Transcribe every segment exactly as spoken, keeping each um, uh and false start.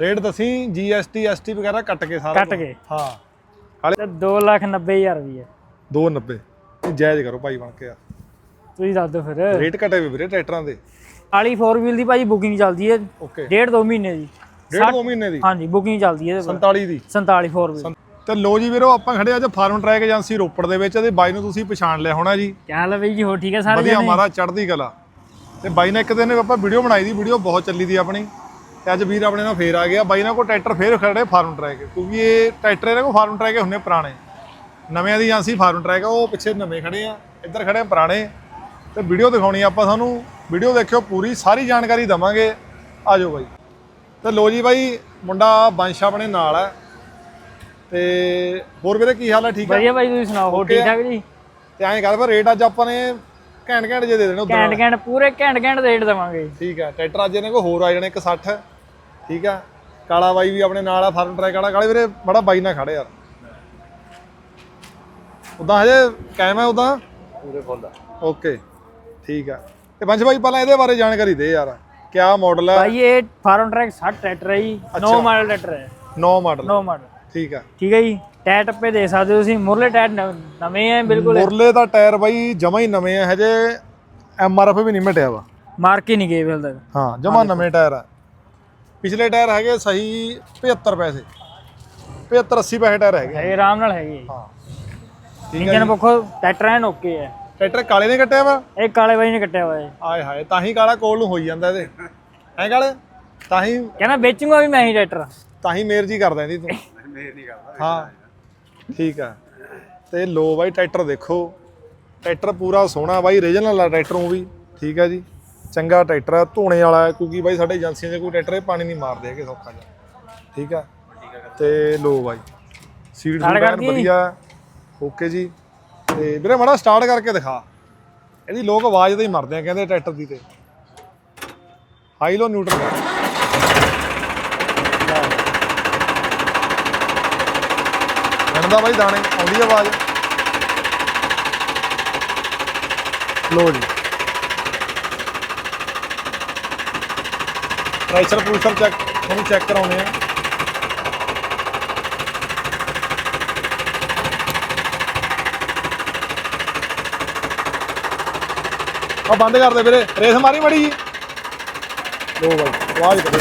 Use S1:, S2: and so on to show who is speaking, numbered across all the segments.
S1: Rate दसी GST ST वगैरह cut के सारा
S2: कट के
S1: हाँ
S2: हाले दो लाख नब्बे हज़ार भी है
S1: दो नब्बे जायज़ करो भाई बन के यार
S2: ਤੁਸੀਂ ਦੱਸ ਦਿਓ ਫਿਰ
S1: ਰੇਟ ਘਟੇ ਵੀ ਵੀਰੇ ਟਰੈਕਟਰਾਂ ਦੇ
S2: ਆਲੀ फोर व्हील ਦੀ ਭਾਜੀ ਬੁਕਿੰਗ ਚੱਲਦੀ ਹੈ
S1: ਓਕੇ
S2: ਡੇਢ ਦੋ ਮਹੀਨੇ ਦੀ
S1: ਡੇਢ ਦੋ ਮਹੀਨੇ ਦੀ
S2: ਹਾਂਜੀ ਬੁਕਿੰਗ ਚੱਲਦੀ ਹੈ
S1: ਸੰਤਾਲੀ ਦੀ
S2: ਸੰਤਾਲੀ फोर व्हील
S1: ਤੇ ਲੋ ਜੀ ਵੀਰੋ ਆਪਾਂ ਖੜੇ ਅੱਜ ਫਾਰਮ ਟਰੈਕ ਏਜੰਸੀ ਰੋਪੜ ਦੇ ਵਿੱਚ ਤੇ ਬਾਈ ਨੂੰ ਤੁਸੀਂ ਪਛਾਣ ਲਿਆ ਹੋਣਾ ਜੀ
S2: ਕੀ ਹਾਲ ਹੈ ਬਈ ਜੀ ਹੋ ਠੀਕ ਹੈ ਸਾਰੇ
S1: ਵਧੀਆ ਮਾਰਾ ਚੜ੍ਹਦੀ ਕਲਾ ਤੇ ਬਾਈ ਨੇ ਇੱਕ ਦਿਨ ਆਪਾਂ ਵੀਡੀਓ ਬਣਾਈ ਦੀ ਵੀਡੀਓ ਬਹੁਤ ਚੱਲੀ ਦੀ ਆਪਣੀ ਤੇ ਅੱਜ ਵੀਰ ਆਪਣੇ ਨਾਲ ਫੇਰ ਆ ਗਿਆ ਬਾਈ ਨਾਲ ਕੋ ਟਰੈਕਟਰ ਫੇਰ ਖੜੇ ਫਾਰਮ ਟਰੈਕ ਕਿਉਂਕਿ ਇਹ ਟਰੈਕਟਰ ਇਹਨਾਂ ਕੋ ਫਾਰਮ ਟਰੈਕ ਹੁੰਨੇ ਪੁਰਾਣੇ ਨਵਿਆਂ ਦੀ ਏਜੰਸੀ ਫਾਰਮ ਟਰੈਕ ਉਹ ਪਿੱਛੇ ਨਵੇਂ ਖੜੇ ਆ ਇੱਧਰ ਖੜੇ ਪੁਰਾਣੇ ਤੇ ਵੀਡੀਓ ਦਿਖਾਉਣੀ ਆਪਾਂ ਤੁਹਾਨੂੰ ਵੀਡੀਓ ਦੇਖਿਓ ਪੂਰੀ ਸਾਰੀ ਜਾਣਕਾਰੀ ਦਵਾਂਗੇ ਆ ਜਾਓ ਬਾਈ ਤੇ ਲੋ ਜੀ ਬਾਈ ਮੁੰਡਾ ਬੰਸ਼ ਆਪਣੇ ਨਾਲ ਹੈ ਤੇ ਹੋਰ ਵੀਰੇ ਕੀ ਹਾਲ ਹੈ ਠੀਕ ਹੈ
S2: ਵਧੀਆ ਬਾਈ ਤੁਸੀਂ ਸੁਣਾਓ ਹੋ ਠੀਕ ਠਾਕ ਜੀ
S1: ਤੇ ਐਂ ਕਰ ਫਿਰ ਰੇਟ ਅੱਜ ਆਪਾਂ ਨੇ ਘੈਂਟ ਘੈਂਟ ਜੇ ਦੇ ਦੇਣੇ ਉਧਰ
S2: ਘੈਂਟ ਘੈਂਟ ਪੂਰੇ ਘੈਂਟ ਘੈਂਟ ਰੇਟ ਦੇਵਾਂਗੇ
S1: ਠੀਕ ਹੈ ਟਰੈਕਟਰ ਅੱਜ ਇਹਨੇ ਕੋ ਹੋਰ ਆ ਜਾਣੇ ਇੱਕ ਸੱਠ ਠੀਕ ਹੈ ਕਾਲਾ ਬਾਈ ਵੀ ਆਪਣੇ ਨਾਲ ਆ ਫਾਰਮ ਟਰੈਕ ਵਾਲਾ ਕਾਲੇ ਵੀਰੇ ਬੜਾ ਬਾਈ ਨਾਲ ਖੜੇ ਯਾਰ ਉਦਾਂ ਹਜੇ ਕਾਇਮ ਹੈ ਉਦਾਂ ਪੂਰੇ ਫੁੱਲ ਓਕੇ ਠੀਕ ਹੈ ਤੇ ਬੰਸ਼ ਬਾਈ ਪਹਿਲਾਂ ਇਹਦੇ ਬਾਰੇ ਜਾਣਕਾਰੀ ਦੇ ਯਾਰ ਕਿਆ ਮਾਡਲ ਹੈ
S2: ਭਾਈ ਇਹ ਫਾਰਮ ਟਰੈਕ ਸੱਠ ਟਰੈਕਟਰ ਹੈ ਜੀ ਨੌ ਮਾਡਲ ਟਰੈਕਟਰ ਹੈ
S1: ਨੌ ਮਾਡਲ
S2: ਨੌ ਮਾਡਲ
S1: ਠੀਕ ਹੈ
S2: ਠੀਕ ਹੈ ਜੀ ਟਾਇਰ ਟੱਪੇ ਦੇ ਸਕਦੇ ਹੋ ਤੁਸੀਂ ਮੁਰਲੇ ਟਾਇਰ ਨਵੇਂ ਹੈ ਬਿਲਕੁਲ
S1: ਮੁਰਲੇ ਦਾ ਟਾਇਰ ਬਾਈ ਜਮਾ ਹੀ ਨਵੇਂ ਆ ਹਜੇ ਐਮ ਆਰ ਐਫ ਵੀ ਨਹੀਂ ਮਿਟਿਆ ਵਾ
S2: ਮਾਰ ਕੇ ਨਹੀਂ ਗਏ ਫਿਲ ਤੱਕ
S1: ਹਾਂ ਜਮਾ ਨਵੇਂ ਟਾਇਰ ਆ ਪਿਛਲੇ ਟਾਇਰ ਹੈਗੇ ਸਹੀ ਪਝੱਤਰ ਪੈਸੇ ਪਝੱਤਰ ਅੱਸੀ ਪੈਸੇ ਟਾਇਰ ਹੈਗੇ
S2: ਇਹ ਆਰਾਮ ਨਾਲ ਹੈਗੇ
S1: ਹਾਂ
S2: ਇੰਜਨ ਪੱਖੋਂ ਟਰੈਕਟਰ ਐਨ ਓਕੇ ਹੈ
S1: ਟਰੈਕਟਰ ਕਾਲੇ ਨੇ ਕੱਟਿਆ ਵਾ
S2: ਇਹ ਕਾਲੇ ਬਾਈ ਨੇ ਕੱਟਿਆ ਹੋਇਆ ਹੈ
S1: ਆਏ ਹਾਏ ਤਾਂ ਹੀ ਕਾਲਾ ਕੋਲ ਨੂੰ ਹੋਈ ਜਾਂਦਾ ਇਹਦੇ ਐ ਕਾਲੇ ਤਾਂ ਹੀ
S2: ਕਹਿੰਦਾ ਵੇਚੂਗਾ ਵੀ ਮੈਂ ਹੀ ਟਰੈਕਟਰ
S1: ਤਾਂ ਹੀ ਮੇਰ ਜੀ ਕਰਦਾ ਇਹਦੀ ਤੂੰ ਮੇਰ ਨਹੀਂ ਕਰਦਾ ਹਾਂ ਠੀਕ ਆ ਤੇ ਲੋ ਬਾਈ ਟਰੈਕਟਰ ਦੇਖੋ ਟਰੈਕਟਰ ਪੂਰਾ ਸੋਹਣਾ ਬਾਈ ਰੀਜਨਲ ਆ ਟਰੈਕਟਰ ਉਹ ਵੀ ਠੀਕ ਆ ਜੀ ਚੰਗਾ ਟਰੈਕਟਰ ਆ ਧੋਣੇ ਵਾਲਾ ਕਿਉਂਕਿ ਬਾਈ ਸਾਡੇ ਏਜੰਸੀਆਂ 'ਚ ਕੋਈ ਟਰੈਕਟਰ ਪਾਣੀ ਨਹੀਂ ਮਾਰਦੇ ਹੈਗੇ ਸੌਖਾ ਜਿਹਾ ਠੀਕ ਆ ਤੇ ਲੋ ਬਾਈ ਸੀਟ ਸੂਟ ਵਧੀਆ ਓਕੇ ਜੀ ਤੇ ਵੀਰੇ ਮਾੜਾ ਸਟਾਰਟ ਕਰਕੇ ਦਿਖਾ ਇਹਦੀ ਲੋਕ ਆਵਾਜ਼ ਤੇ ਹੀ ਮਰਦੇ ਆ ਕਹਿੰਦੇ ਟਰੈਕਟਰ ਦੀ ਤੇ ਹਾਈ ਲੋ ਨਿਊਟਰਲ ਬਣਦਾ ਬਾਈ ਦਾਣੇ ਆਉਂਦੀ ਆਵਾਜ਼ ਲੋ ਜੀ ਪ੍ਰੈਸ਼ਰ ਪ੍ਰੂਸ਼ਰ ਚੈੱਕ ਤੁਹਾਨੂੰ ਚੈੱਕ ਕਰਾਉਣੇ ਆ ਆ ਬੰਦ ਕਰ ਦੇ ਵੀਰੇ ਰੇਸ ਮਾਰੀ ਮੜੀ ਜੀ ਲੋ ਬਾਈ ਆਵਾਜ਼ ਕਰੇ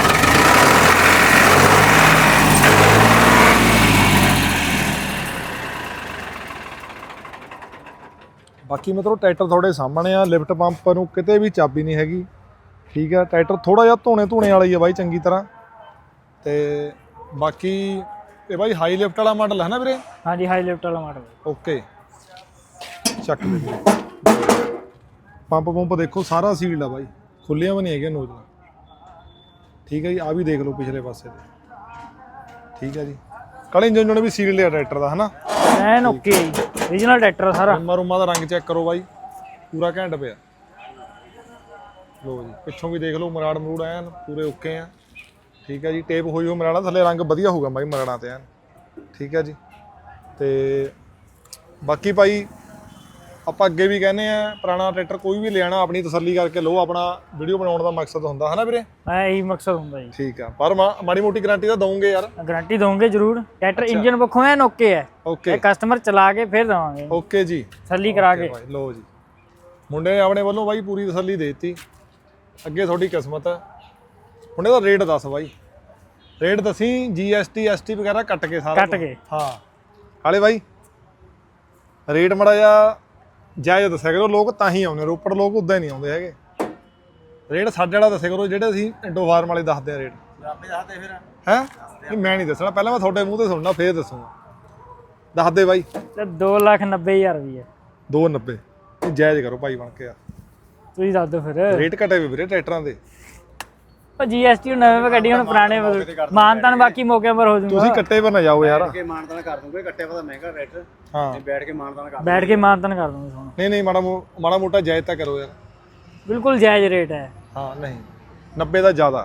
S1: ਬਾਕੀ ਮਤਲਬ ਟਰੈਕਟਰ ਤੁਹਾਡੇ ਸਾਹਮਣੇ ਆ ਲਿਫਟ ਪੰਪ ਨੂੰ ਕਿਤੇ ਵੀ ਚਾਬੀ ਨਹੀਂ ਹੈਗੀ ਠੀਕ ਆ ਟਰੈਕਟਰ ਥੋੜਾ ਜਿਹਾ ਧੋਣੇ ਧੋਣੇ ਵਾਲਾ ਹੀ ਆ ਬਾਈ ਚੰਗੀ ਤਰ੍ਹਾਂ ਤੇ ਬਾਕੀ ਇਹ ਬਾਈ ਹਾਈ ਲਿਫਟ ਵਾਲਾ ਮਾਡਲ ਹੈ ਨਾ ਵੀਰੇ
S2: ਹਾਂਜੀ ਹਾਈ ਲਿਫਟ ਵਾਲਾ ਮਾਡਲ
S1: ਓਕੇ ਚੱਕ ਦੇ ਵੀਰੇ ਪੰਪ ਪੰਪ ਦੇਖੋ ਸਾਰਾ ਸੀਲਡ ਆ ਬਾਈ ਖੁੱਲਿਆ ਵੀ ਨਹੀਂ ਹੈਗਾ ਨੋਜ਼ਲ ਠੀਕ ਹੈ ਜੀ ਆ ਵੀ ਦੇਖ ਲਓ ਪਿਛਲੇ ਪਾਸੇ ਤੇ ਠੀਕ ਹੈ ਜੀ ਕਾਲੇ ਇੰਜਨ ਵੀ ਸੀਲਡ ਆ ਟਰੈਕਟਰ ਦਾ ਹਨਾ
S2: ਐਨ ਓਕੇ ਰੀਜਨਲ ਟਰੈਕਟਰ ਸਾਰਾ
S1: ਰੁਮਾ ਰੁਮਾ ਦਾ ਰੰਗ ਚੈੱਕ ਕਰੋ ਬਾਈ ਪੂਰਾ ਘੈਂਟ ਪਿਆ ਲੋ ਜੀ ਪਿੱਛੋਂ ਵੀ ਦੇਖ ਲਓ ਮਰਾੜ ਮਰੂੜ ਐਨ ਪੂਰੇ ਓਕੇ ਆ ਠੀਕ ਹੈ ਜੀ ਟੇਪ ਹੋਈ ਹੋ ਮਰਾੜਾ ਥੱਲੇ ਰੰਗ ਵਧੀਆ ਹੋਊਗਾ ਬਾਈ ਮਰਾੜਾ ਤੇ ਐਨ ਠੀਕ ਹੈ ਜੀ ਤੇ ਬਾਕੀ ਭਾਈ ਆਪਾਂ ਅੱਗੇ ਵੀ ਕਹਿੰਦੇ ਆ ਪੁਰਾਣਾ ਟਰੈਕਟਰ ਕੋਈ ਵੀ ਲਿਆਣਾ ਆਪਣੀ ਤਸੱਲੀ ਕਰਕੇ ਲਓ ਆਪਣਾ ਵੀਡੀਓ ਬਣਾਉਣ ਦਾ ਮਕਸਦ ਹੁੰਦਾ ਹੈ ਨਾ ਵੀਰੇ
S2: ਮੈਂ ਇਹੀ ਮਕਸਦ ਹੁੰਦਾ ਜੀ
S1: ਠੀਕ ਆ ਪਰ ਮਾੜੀ ਮੋਟੀ ਗਾਰੰਟੀ ਤਾਂ ਦਵਾਂਗੇ ਯਾਰ
S2: ਗਾਰੰਟੀ ਦਵਾਂਗੇ ਜ਼ਰੂਰ ਟਰੈਕਟਰ ਇੰਜਨ ਪੱਖੋਂ ਐਨ ਓਕੇ ਹੈ
S1: ਓਕੇ
S2: ਕਸਟਮਰ ਚਲਾ ਕੇ ਫਿਰ ਦਵਾਂਗੇ
S1: ਓਕੇ ਜੀ
S2: ਤਸੱਲੀ ਕਰਾ ਕੇ
S1: ਲਓ ਜੀ ਮੁੰਡੇ ਨੇ ਆਪਣੇ ਵੱਲੋਂ ਬਾਈ ਪੂਰੀ ਤਸੱਲੀ ਦੇ ਦਿੱਤੀ ਅੱਗੇ ਤੁਹਾਡੀ ਕਿਸਮਤ ਹੈ ਮੁੰਡੇ ਦਾ ਰੇਟ ਦੱਸ ਬਾਈ ਰੇਟ ਦਸੀ ਜੀਐਸਟੀ ਐਸਟੀ ਵਗੈਰਾ ਕੱਟ ਕੇ ਸਾਰਾ
S2: ਕੱਟ ਕੇ
S1: ਹਾਂ ਹਾਲੇ ਬਾਈ ਰੇਟ ਮੜਾ ਜਾ ਜਾਇਜ਼ ਦੱਸਿਆ ਕਰੋ ਲੋਕ ਤਾਂ ਹੀ ਆਉਂਦੇ ਰੋਪੜ ਲੋਕ ਉਦਾਂ ਹੀ ਨਹੀਂ ਆਉਂਦੇ ਹੈਗੇ ਰੇਟ ਸਾਡੇ ਵਾਲਾ ਦੱਸਿਆ ਕਰੋ ਜਿਹੜੇ ਅਸੀਂ ਇੰਡੋ ਫਾਰਮ ਵਾਲੇ ਦੱਸਦੇ ਆ ਰੇਟ ਆਪੇ ਦੱਸਦੇ ਫਿਰ ਹੈ ਨਹੀਂ ਮੈਂ ਨਹੀਂ ਦੱਸਣਾ ਪਹਿਲਾਂ ਮੈਂ ਤੁਹਾਡੇ ਮੂੰਹ ਤੇ ਸੁਣਨਾ ਫੇਰ ਦੱਸੂਗਾ ਦੱਸ ਦੇ ਬਾਈ
S2: ਤੇ ਦੋ ਲੱਖ ਨੱਬੇ ਹਜ਼ਾਰ ਵੀ ਹੈ
S1: ਦੋ ਨੱਬੇ ਜਾਇਜ਼ ਕਰੋ ਭਾਈ ਬਣ ਕੇ ਆ
S2: ਤੁਸੀਂ ਦੱਸ ਦਿਓ ਫਿਰ
S1: ਰੇਟ ਘਟੇ ਵੀ ਵੀਰੇ ਟਰੈਕਟਰਾਂ ਦੇ
S2: ਉਹ ਜੀਐਸਟੀ ਨਵੇਂ ਗੱਡੀ ਹੁਣ ਪੁਰਾਣੇ ਮਾਨਤਾਨ ਬਾਕੀ ਮੌਕੇ ਪਰ ਹੋ ਜੂਗਾ
S1: ਤੁਸੀਂ ਕੱਟੇ ਪਰ ਨਾ ਜਾਓ ਯਾਰ
S3: ਕੇ ਮਾਨਤਾਨ ਕਰ ਦੂੰਗੇ ਕੱਟੇ ਪਤਾ ਮਹਿੰਗਾ ਟਰੈਕਟਰ
S1: ਹਾਂ
S3: ਬੈਠ ਕੇ ਮਾਨਤਾਨ ਕਰ
S2: ਬੈਠ ਕੇ ਮਾਨਤਾਨ ਕਰ ਦੂੰਗੇ ਹੁਣ
S1: ਨਹੀਂ ਨਹੀਂ ਮਾੜਾ ਮਾੜਾ ਮੋਟਾ ਜਾਇਜ਼ ਤਾਂ ਕਰੋ ਯਾਰ
S2: ਬਿਲਕੁਲ ਜਾਇਜ਼ ਰੇਟ ਹੈ
S1: ਹਾਂ ਨਹੀਂ ਨੱਬੇ ਦਾ ਜ਼ਿਆਦਾ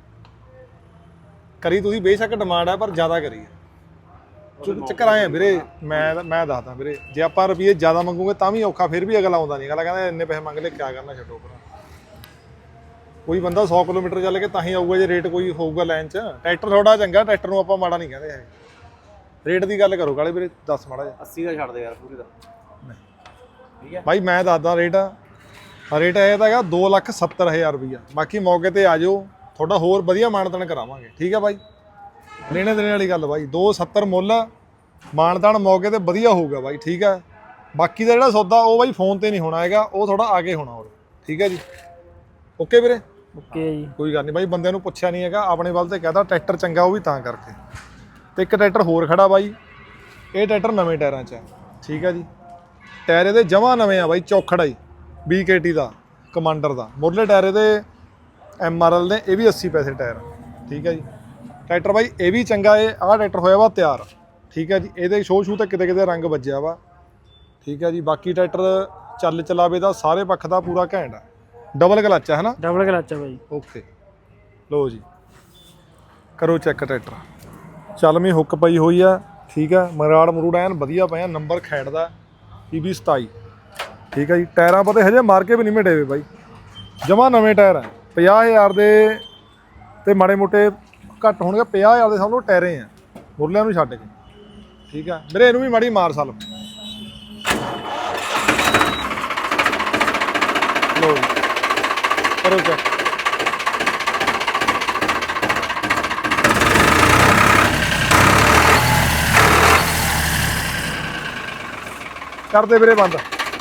S1: ਕਰੀ ਤੁਸੀਂ ਬੇਸ਼ੱਕ ਡਿਮਾਂਡ ਹੈ ਪਰ ਜ਼ਿਆਦਾ ਕਰੀ ਚੱਕਰ ਆਏ ਵੀਰੇ ਮੈਂ ਮੈਂ ਦੱਸਦਾ ਵੀਰੇ ਜੇ ਆਪਾਂ ਰੁਪਏ ਜ਼ਿਆਦਾ ਮੰਗੂਗੇ ਤਾਂ ਵੀ ਔਖਾ ਫਿਰ ਵੀ ਅਗਲਾ ਆਉਂਦਾ ਨਹੀਂ ਅਗਲਾ ਕਹਿੰਦਾ ਇੰਨੇ ਪੈਸੇ ਮੰਗ ਲੈ ਕਿਆ ਕਰਨਾ ਛੱਡੋ ਭਰਾ ਕੋਈ ਬੰਦਾ ਸੌ ਕਿਲੋਮੀਟਰ ਚੱਲ ਕੇ ਤਾਂ ਹੀ ਆਊਗਾ ਜੇ ਰੇਟ ਕੋਈ ਹੋਊਗਾ ਲਾਈਨ 'ਚ। ਟਰੈਕਟਰ ਥੋੜਾ ਚੰਗਾ, ਟਰੈਕਟਰ ਨੂੰ ਆਪਾਂ ਮਾੜਾ ਨਹੀਂ ਕਹਿੰਦੇ ਹੈ। ਰੇਟ ਦੀ ਗੱਲ ਕਰੋ ਕਾਲੇ ਵੀਰੇ, ਦੱਸ ਮਾੜਾ ਜਿਹਾ।
S3: ਅੱਸੀ ਦਾ ਛੱਡ ਦੇ ਯਾਰ ਪੂਰੀ ਦਾ। ਠੀਕ ਹੈ
S1: ਬਾਈ ਮੈਂ ਦੱਸਦਾ ਰੇਟ, ਰੇਟ ਇਹ ਤਾਂ ਹੈਗਾ ਦੋ ਲੱਖ ਸੱਤਰ ਹਜ਼ਾਰ ਰੁਪਈਆ। ਬਾਕੀ ਮੌਕੇ ਤੇ ਆ ਜਾਓ, ਤੁਹਾਡਾ ਹੋਰ ਵਧੀਆ ਮਾਨਤਾਨ ਕਰਾਵਾਂਗੇ। ਠੀਕ ਹੈ ਬਾਈ, ਲੈਣੇ ਦੇਣੇ ਵਾਲੀ ਗੱਲ ਬਾਈ। ਦੋ ਸੱਤਰ ਮੁੱਲ, ਮਾਨਤਾਨ ਮੌਕੇ ਤੇ ਵਧੀਆ ਹੋਊਗਾ ਬਾਈ। ਠੀਕ ਹੈ, ਬਾਕੀ ਦਾ ਜਿਹੜਾ ਸੌਦਾ ਉਹ ਬਾਈ ਫੋਨ ਤੇ ਨਹੀਂ ਹੋਣਾ ਹੈਗਾ, ਉਹ ਥੋੜਾ ਆ ਕੇ ਹੋਣਾ ਹੋਰ। ਠੀਕ ਹੈ ਜੀ, ਓਕੇ ਵੀਰੇ,
S2: ਓਕੇ ਜੀ।
S1: ਕੋਈ ਗੱਲ ਨਹੀਂ ਬਾਈ, ਬੰਦਿਆਂ ਨੂੰ ਪੁੱਛਿਆ ਨਹੀਂ ਹੈਗਾ, ਆਪਣੇ ਵੱਲ ਤੇ ਕਹਦਾ ਟਰੈਕਟਰ ਚੰਗਾ, ਉਹ ਵੀ ਤਾਂ ਕਰਕੇ। ਤੇ ਇੱਕ ਟਰੈਕਟਰ ਹੋਰ ਖੜਾ ਬਾਈ, ਇਹ ਟਰੈਕਟਰ ਨਵੇਂ ਟਾਇਰਾਂ 'ਚ ਹੈ। ਠੀਕ ਹੈ ਜੀ, ਟਾਇਰ ਇਹਦੇ ਜਮਾਂ ਨਵੇਂ ਆ ਬਾਈ, ਚੌਖੜਾ ਹੀ ਬੀ ਕੇ ਟੀ ਦਾ ਕਮਾਂਡਰ ਦਾ। ਮੁੱਢਲੇ ਟਾਇਰ ਇਹਦੇ ਐਮ ਆਰ ਐਲ ਨੇ, ਇਹ ਵੀ ਅੱਸੀ ਪੈਸੇ ਟਾਇਰ। ਠੀਕ ਹੈ ਜੀ, ਟਰੈਕਟਰ ਬਾਈ ਇਹ ਵੀ ਚੰਗਾ ਏ। ਆਹ ਟਰੈਕਟਰ ਹੋਇਆ ਵਾ ਤਿਆਰ। ਠੀਕ ਹੈ ਜੀ, ਇਹਦੇ ਸ਼ੋਅ ਸ਼ੂ ਤੇ ਕਿਤੇ ਕਿਤੇ ਰੰਗ ਵੱਜਿਆ ਵਾ। ਠੀਕ ਹੈ ਜੀ, ਬਾਕੀ ਟਰੈਕਟਰ ਚੱਲ ਚਲਾਵੇ ਦਾ ਸਾਰੇ ਪੱਖ ਦਾ ਪੂਰਾ ਘੈਂਟ ਆ। ਡਬਲ ਕਲੱਚ ਹੈ ਨਾ?
S2: ਡਬਲ ਕਲੱਚ ਆ ਬਾਈ।
S1: ਓਕੇ, ਲਓ ਜੀ ਕਰੋ ਚੈੱਕ ਟਰੈਕਟਰ। ਚਲਵੀਂ ਹੁੱਕ ਪਈ ਹੋਈ ਆ। ਠੀਕ ਹੈ, ਮਰਾੜ ਮਰੂੜ ਐਨ ਵਧੀਆ ਪਿਆ। ਨੰਬਰ ਖੈੜਦਾ ਪੀ ਬੀ ਸਤਾਈ। ਠੀਕ ਹੈ ਜੀ, ਟਾਇਰਾਂ ਪਤੇ ਹਜੇ ਮਾਰ ਕੇ ਵੀ ਨਹੀਂ ਮਿਟੇ ਵੇ ਬਾਈ, ਜਮਾਂ ਨਵੇਂ ਟਾਇਰ ਆ। ਪੰਜਾਹ ਹਜ਼ਾਰ ਦੇ ਤੇ ਮਾੜੇ ਮੋਟੇ ਘੱਟ ਹੋਣਗੇ, ਪੰਜਾਹ ਹਜ਼ਾਰ ਦੇ ਸਭ ਨੂੰ ਟਾਇਰੇ ਆ ਮੁਰਲਿਆਂ ਨੂੰ ਛੱਡ ਕੇ। ਠੀਕ ਆ ਵੀਰੇ, ਇਹਨੂੰ ਵੀ ਮਾੜੀ ਮਾਰ ਸਾਲ। ਲਓ ਜੀ ਕਰੋ ਚੈੱਕ। ਕਰਦੇ ਵੀਰੇ ਬੰਦ।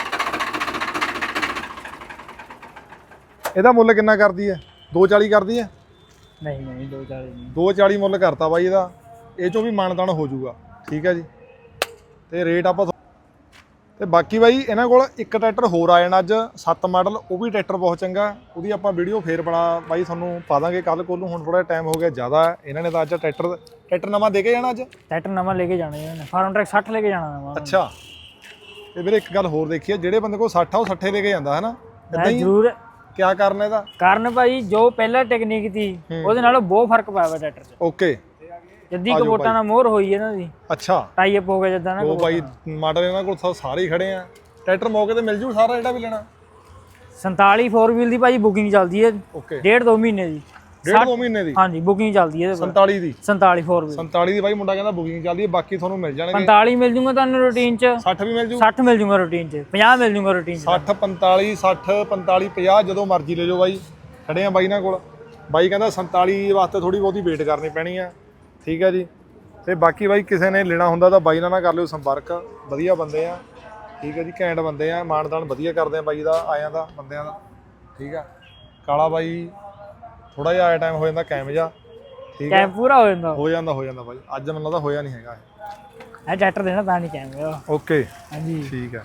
S1: ਇਹਦਾ ਮੁੱਲ ਕਿੰਨਾ ਕਰਦੀ ਹੈ? ਦੋ ਚਾਲੀ ਕਰਦੀ ਹੈ?
S2: ਨਹੀਂ ਨਹੀਂ ਦੋ ਚਾਲੀ ਨਹੀਂ,
S1: ਦੋ ਚਾਲੀ ਮੁੱਲ ਕਰਤਾ ਬਾਈ ਇਹਦਾ। ਇਹ ਚੋਂ ਵੀ ਮਾਨਤਾਨ ਹੋ ਜਾਊਗਾ। ਠੀਕ ਹੈ ਜੀ, ਤੇ ਰੇਟ ਆਪਾਂ ਤੇ ਬਾਕੀ ਬਾਈ ਇਹਨਾਂ ਕੋਲ ਇੱਕ ਟਰੈਕਟਰ ਹੋਰ ਆ ਜਾਣਾ ਅੱਜ, ਸੱਤ ਮਾਡਲ। ਉਹ ਵੀ ਟਰੈਕਟਰ ਬਹੁਤ ਚੰਗਾ, ਉਹਦੀ ਆਪਾਂ ਵੀਡੀਓ ਫੇਰ ਬਣਾ ਬਾਈ ਤੁਹਾਨੂੰ ਪਾ ਦਾਂਗੇ ਕੱਲ ਕੋਲ ਨੂੰ। ਹੁਣ ਥੋੜਾ ਟਾਈਮ ਹੋ ਗਿਆ ਜ਼ਿਆਦਾ, ਇਹਨਾਂ ਨੇ ਤਾਂ ਅੱਜ ਟਰੈਕਟਰ ਟਰੈਕਟਰ ਨਵਾਂ ਦੇ ਕੇ ਜਾਣਾ ਅੱਜ।
S2: ਟਰੈਕਟਰ ਨਵਾਂ ਲੈ ਕੇ ਜਾਣਾ ਜੀ, ਫਾਰਮ ਟਰੈਕ ਸੱਠ ਲੈ ਕੇ ਜਾਣਾ ਨਵਾਂ।
S1: ਅੱਛਾ, ਤੇ ਵੀਰੇ ਇੱਕ ਗੱਲ ਹੋਰ ਦੇਖੀ ਆ, ਜਿਹੜੇ ਬੰਦੇ ਕੋਲ ਸੱਠ ਆ ਉਹ ਸੱਠੇ ਲੈ ਕੇ ਜਾਂਦਾ ਹੈ ਨਾ?
S2: ਮੈਂ ਜ਼ਰੂਰ।
S1: ਕਿਆ ਕਾਰਨ ਇਹਦਾ?
S2: ਕਾਰਨ ਭਾਈ ਜੋ ਪਹਿਲਾਂ ਟੈਕਨੀਕ ਸੀ ਉਹਦੇ ਨਾਲੋਂ ਬਹੁਤ ਫਰਕ ਪਾਇਆ ਵਾ ਟਰੈਕਟਰ 'ਚ।
S1: ਓਕੇ,
S2: ਜੱਦੀ ਕਬੋਟਾਂ ਨਾਲ ਮੋਹਰ ਹੋਈ ਇਹਨਾਂ ਦੀ।
S1: ਅੱਛਾ,
S2: ਟਾਈ ਅਪ ਹੋ ਗਿਆ ਜਦਾਂ ਨਾ।
S1: ਉਹ ਬਾਈ ਮਾਡਲ ਇਹਨਾਂ ਕੋਲ ਸਾਰੇ ਹੀ ਖੜੇ ਆ। ਟਰੈਕਟਰ ਮੌਕੇ ਤੇ ਮਿਲ ਜੂ ਸਾਰਾ ਜਿਹੜਾ ਵੀ ਲੈਣਾ?
S2: ਸੰਤਾਲੀ ਫੋਰ ਵੀਲ ਦੀ ਭਾਜੀ ਬੁਕਿੰਗ ਚੱਲਦੀ ਹੈ।
S1: ਓਕੇ,
S2: ਡੇਢ ਦੋ ਮਹੀਨੇ ਦੀ।
S1: ਡੇਢ ਦੋ ਮਹੀਨੇ ਦੀ?
S2: ਹਾਂਜੀ ਬੁਕਿੰਗ ਚੱਲਦੀ ਹੈ ਇਹਦੇ ਕੋਲ।
S1: ਸੰਤਾਲੀ ਦੀ?
S2: ਸੰਤਾਲੀ ਫੋਰ ਵੀਲ
S1: ਸੰਤਾਲੀ ਦੀ ਬਾਈ ਮੁੰਡਾ ਕਹਿੰਦਾ ਬੁਕਿੰਗ ਚੱਲਦੀ ਹੈ। ਬਾਕੀ ਤੁਹਾਨੂੰ ਮਿਲ ਜਾਣਗੇ।
S2: ਪੰਤਾਲੀ ਮਿਲ ਜੂਗਾ ਤੁਹਾਨੂੰ ਰੂਟੀਨ 'ਚ।
S1: ਸੱਠ ਵੀ ਮਿਲ ਜੂ?
S2: ਸੱਠ ਮਿਲ ਜੂਗਾ ਰੂਟੀਨ 'ਚ। ਪੰਜਾਹ ਮਿਲ ਜੂਗਾ ਰੂਟੀਨ 'ਚ।
S1: ਸੱਠ ਪੰਤਾਲੀ ਸੱਠ ਪੰਤਾਲੀ ਪੰਜਾਹ ਜਦੋਂ ਮਰਜ਼ੀ ਲੈ ਜਾਓ ਬਾਈ, ਖੜੇ ਆ ਬਾਈ ਨਾਲ ਕੋਲ। ਬਾਈ ਕਹਿੰਦਾ ਸੰਤਾਲੀ ਵਾਸਤੇ ਥੋੜੀ ਬਹੁਤੀ ਵੇਟ ਕਰਨੀ ਪੈਣੀ ਆ। ਠੀਕ ਹੈ ਜੀ, ਤੇ ਬਾਕੀ ਬਾਈ ਕਿਸੇ ਨੇ ਲੈਣਾ ਹੁੰਦਾ ਤਾਂ ਬਾਈ ਨਾਲ ਨਾ ਕਰ ਲਿਓ ਸੰਪਰਕ। ਵਧੀਆ ਬੰਦੇ ਆ। ਠੀਕ ਹੈ ਜੀ, ਘੈਂਟ ਬੰਦੇ ਆ, ਮਾਨਤਾਨ ਵਧੀਆ ਕਰਦੇ ਆ ਬਾਈ ਦਾ, ਆਇਆਂ ਦਾ, ਬੰਦਿਆਂ ਦਾ। ਠੀਕ ਆ, ਕਾਲਾ ਬਾਈ ਥੋੜਾ ਜਿਹਾ ਆਇਆ ਟਾਈਮ ਹੋ ਜਾਂਦਾ ਕੈਮ ਜਾ। ਠੀਕ ਹੈ,
S2: ਕੈਮ ਪੂਰਾ ਹੋ ਜਾਂਦਾ
S1: ਹੋ ਜਾਂਦਾ ਹੋ ਜਾਂਦਾ ਬਾਈ। ਅੱਜ ਮੈਨੂੰ ਲੱਗਦਾ ਹੋਇਆ ਨਹੀਂ ਹੈਗਾ
S2: ਇਹ ਟਰੈਕਟਰ ਦੇਣਾ ਤਾਂ ਨਹੀਂ ਕੈਮ।
S1: ਓਕੇ,
S2: ਹਾਂਜੀ
S1: ਠੀਕ ਹੈ।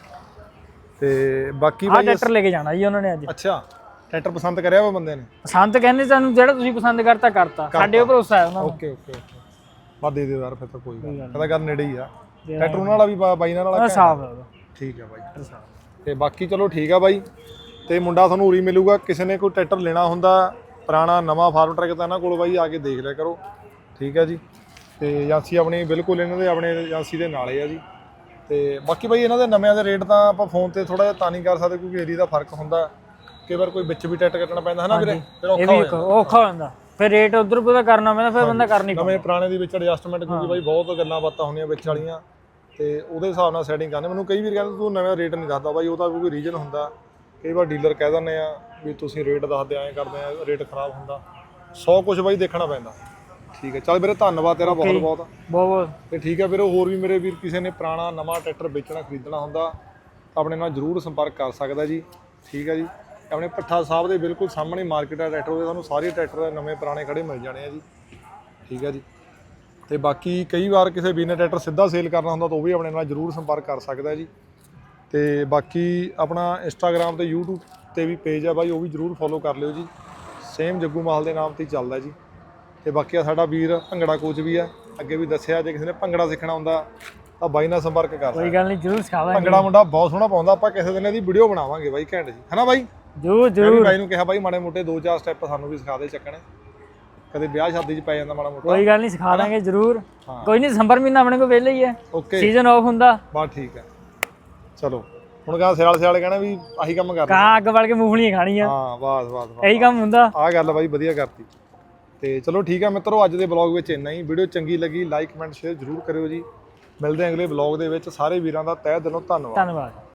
S1: ਤੇ ਬਾਕੀ
S2: ਆਹ
S1: ਬਾਈ
S2: ਟਰੈਕਟਰ ਲੈ ਕੇ ਜਾਣਾ ਜੀ ਉਹਨਾਂ ਨੇ ਅੱਜ।
S1: ਅੱਛਾ, ਟਰੈਕਟਰ ਪਸੰਦ ਕਰਿਆ ਵਾ ਬੰਦੇ ਨੇ?
S2: ਪਸੰਦ ਕਹਿੰਦੇ ਤੁਹਾਨੂੰ ਜਿਹੜਾ ਤੁਸੀਂ ਪਸੰਦ ਕਰਤਾ ਕਰਤਾ, ਸਾਡੇ ਉੱਪਰ ਭਰੋਸਾ ਹੈ ਉਹਨਾਂ ਨੂੰ।
S1: ਓਕੇ ਓਕੇ ਓਕੇ, ਬਾ ਦੇ ਦਿਓ ਯਾਰ ਫਿਰ ਤਾਂ ਕੋਈ ਗੱਲ ਨਹੀਂ। ਕਹਿੰਦਾ ਗੱਲ ਨੇੜੇ ਹੀ ਆ। ਟਰੈਕਟਰ ਉਹਨਾਂ ਵਾਲਾ ਵੀ ਬਾਈ ਨਾਲ ਵਾਲਾ
S2: ਸਾਫ ਹੈ।
S1: ਠੀਕ ਹੈ ਬਾਈ। ਤੇ ਬਾਕੀ ਚਲੋ ਠੀਕ ਆ ਬਾਈ, ਤੇ ਮੁੰਡਾ ਤੁਹਾਨੂੰ ਉਰੀ ਮਿਲੂਗਾ। ਕਿਸੇ ਨੇ ਕੋਈ ਟਰੈਕਟਰ ਲੈਣਾ ਹੁੰਦਾ ਪੁਰਾਣਾ ਨਵਾਂ ਫਾਰਮ ਟਰੈਕ ਤਾਂ ਇਹਨਾਂ ਕੋਲ ਬਾਈ ਆ ਕੇ ਦੇਖ ਲਿਆ ਕਰੋ। ਠੀਕ ਹੈ ਜੀ, ਤੇ ਏਜੰਸੀ ਆਪਣੀ ਬਿਲਕੁਲ ਇਹਨਾਂ ਦੇ ਆਪਣੇ ਏਜੰਸੀ ਦੇ ਨਾਲੇ ਆ ਜੀ। ਤੇ ਬਾਕੀ ਬਾਈ ਇਹਨਾਂ ਦੇ ਨਵਿਆਂ ਦੇ ਰੇਟ ਤਾਂ ਆਪਾਂ ਫੋਨ ਤੇ ਥੋੜਾ ਜਿਹਾ ਤਾਂ ਨਹੀਂ ਕਰ ਸਕਦੇ ਕਿਉਂਕਿ ਏਰੀਆ ਦਾ ਫਰਕ ਹੁੰਦਾ। ਕਈ ਵਾਰ ਕੋਈ ਵਿੱਚ ਵੀ ਟਿਕਟ ਕੱਟਣਾ ਪੈਂਦਾ ਹੈ ਨਾ ਵੀਰੇ, ਫਿਰ ਔਖਾ ਹੋ ਜਾਂਦਾ।
S2: ਔਖਾ ਹੋ ਜਾਂਦਾ, ਫਿਰ ਰੇਟ ਉਧਰ ਪਤਾ ਕਰਨਾ ਪੈਂਦਾ, ਫਿਰ ਬੰਦਾ ਕਰ ਨਹੀਂ ਪਾਉਂਦਾ।
S1: ਨਵੇਂ ਪੁਰਾਣੇ ਦੇ ਵਿੱਚ ਐਡਜਸਟਮੈਂਟ ਕਿਉਂਕਿ ਬਾਈ ਬਹੁਤ ਗੱਲਾਂ ਬਾਤਾਂ ਹੁੰਦੀਆਂ ਵਿੱਚ ਵਾਲੀਆਂ, ਤੇ ਉਹਦੇ ਹਿਸਾਬ ਨਾਲ ਸੈਟਿੰਗ ਕਰਨੀ। ਮੈਨੂੰ ਕਈ ਵਾਰ ਕਹਿੰਦੇ ਤੂੰ ਨਵਾਂ ਰੇਟ ਨਹੀਂ ਦੱਸਦਾ ਬਾਈ, ਉਹਦਾ ਕੋਈ ਰੀਜਨ ਹੁੰਦਾ। ਕਈ ਵਾਰ ਡੀਲਰ ਕਹਿ ਦਿੰਦੇ ਆ ਵੀ ਤੁਸੀਂ ਰੇਟ ਦੱਸਦੇ ਐਂ ਕਰਦੇ ਆ, ਰੇਟ ਖਰਾਬ ਹੁੰਦਾ। ਸੌ ਕੁਛ ਬਾਈ ਦੇਖਣਾ ਪੈਂਦਾ। ਠੀਕ ਹੈ, ਚੱਲ ਵੀਰੇ ਧੰਨਵਾਦ ਤੇਰਾ ਬਹੁਤ ਬਹੁਤ
S2: ਬਹੁਤ ਬਹੁਤ।
S1: ਤੇ ਠੀਕ ਹੈ ਵੀਰੇ, ਹੋਰ ਵੀ ਮੇਰੇ ਵੀਰ ਕਿਸੇ ਨੇ ਪੁਰਾਣਾ ਨਵਾਂ ਟਰੈਕਟਰ ਵੇਚਣਾ ਖਰੀਦਣਾ ਹੁੰਦਾ ਆਪਣੇ ਨਾਲ ਜ਼ਰੂਰ ਸੰਪਰਕ ਕਰ ਸਕਦਾ ਜੀ। ਠੀਕ ਹੈ ਜੀ, ਆਪਣੇ ਭੱਠਾ ਸਾਹਿਬ ਦੇ ਬਿਲਕੁਲ ਸਾਹਮਣੇ ਮਾਰਕੀਟ ਆ ਟਰੈਕਟਰ ਦੇ, ਤੁਹਾਨੂੰ ਸਾਰੇ ਟਰੈਕਟਰ ਨਵੇਂ ਪੁਰਾਣੇ ਖੜੇ ਮਿਲ ਜਾਣੇ ਆ ਜੀ। ਠੀਕ ਹੈ ਜੀ, ਤੇ ਬਾਕੀ ਕਈ ਵਾਰ ਕਿਸੇ ਵੀਰ ਨੇ ਟਰੈਕਟਰ ਸਿੱਧਾ ਸੇਲ ਕਰਨਾ ਹੁੰਦਾ ਤਾਂ ਉਹ ਵੀ ਆਪਣੇ ਨਾਲ ਜ਼ਰੂਰ ਸੰਪਰਕ ਕਰ ਸਕਦਾ ਜੀ। ਤੇ ਬਾਕੀ ਆਪਣਾ ਇੰਸਟਾਗ੍ਰਾਮ ਤੇ ਯੂਟਿਊਬ ਤੇ ਵੀ ਪੇਜ ਆ ਬਾਈ, ਉਹ ਵੀ ਜ਼ਰੂਰ ਫੋਲੋ ਕਰ ਲਿਓ ਜੀ। ਸੇਮ ਜੱਗੂ ਮਾਹਲ ਦੇ ਨਾਮ ਤੇ ਹੀ ਚੱਲਦਾ ਜੀ। ਤੇ ਬਾਕੀ ਆ ਸਾਡਾ ਵੀਰ ਭੰਗੜਾ ਕੋਚ ਵੀ ਆ, ਅੱਗੇ ਵੀ ਦੱਸਿਆ ਜੇ ਕਿਸੇ ਨੇ ਭੰਗੜਾ ਸਿੱਖਣਾ ਹੁੰਦਾ ਤਾਂ ਬਾਈ ਨਾਲ ਸੰਪਰਕ ਕਰ
S2: ਕੋਈ ਗੱਲ ਨਹੀਂ, ਜ਼ਰੂਰ ਸਿਖਾਵਾਂਗੇ।
S1: ਭੰਗੜਾ ਮੁੰਡਾ ਬਹੁਤ ਸੋਹਣਾ ਪਾਉਂਦਾ, ਆਪਾਂ ਕਿਸੇ ਦਿਨ ਇਹਦੀ ਵੀਡੀਓ ਬਣਾਵਾਂਗੇ ਬਾਈ, ਘੈਂਟ ਜੀ, ਹਨਾ ਬਾਈ?
S2: ਜ਼ਰੂਰ ਜ਼ਰੂਰ।
S1: ਬਾਈ ਨੂੰ ਕਿਹਾ ਬਾਈ ਮਾੜੇ ਮੋਟੇ ਦੋ ਚਾਰ ਸਟੈਪ ਸਾਨੂੰ ਵੀ ਸਿਖਾ ਦੇ ਚੱਕਣੇ, ਕਦੇ ਵਿਆਹ ਸ਼ਾਦੀ 'ਚ ਪੈ ਜਾਂਦਾ ਮਾੜਾ ਮੋਟਾ।
S2: ਕੋਈ ਗੱਲ ਨਹੀਂ, ਸਿਖਾ ਦਾਂਗੇ ਜ਼ਰੂਰ। ਕੋਈ ਨਹੀਂ, ਦਸੰਬਰ ਮਹੀਨਾ ਆਪਣੇ ਕੋਲ ਵਿਹਲੇ ਹੀ ਹੈ,
S1: ਓਕੇ,
S2: ਸੀਜ਼ਨ ਆਫ ਹੁੰਦਾ।
S1: ਬਸ ਠੀਕ ਹੈ, ਚਲੋ ਹੁਣ ਕਹਾਂ ਸਿਆਲ ਸਿਆਲ ਕਹਿਣਾ ਵੀ ਆਹੀ ਕੰਮ ਕਰ
S2: ਕਾਂ ਅੱਗ ਵੜ ਕੇ ਮੂੰਗਫਲੀਆਂ ਖਾਣੀਆਂ
S1: ਹਾਂ ਬਸ ਬਸ ਬਸ
S2: ਇਹੀ ਕੰਮ ਹੁੰਦਾ।
S1: ਆਹ ਗੱਲ ਬਾਈ ਵਧੀਆ ਕਰਤੀ। ਤੇ ਚਲੋ ਠੀਕ ਆ ਮਿੱਤਰੋ, ਅੱਜ ਦੇ ਬਲੌਗ ਵਿੱਚ ਇੰਨਾ ਹੀ। ਵੀਡੀਓ ਚੰਗੀ ਲੱਗੀ ਲਾਈਕ ਕਮੈਂਟ ਸ਼ੇਅਰ ਜ਼ਰੂਰ ਕਰਿਓ ਜੀ। ਮਿਲਦੇ ਹਾਂ ਅਗਲੇ ਬਲੌਗ ਦੇ ਵਿੱਚ। ਸਾਰੇ ਵੀਰਾਂ ਦਾ ਤਹਿ ਦਿਲੋਂ ਧੰਨਵਾਦ।
S2: ਧੰਨਵਾਦ।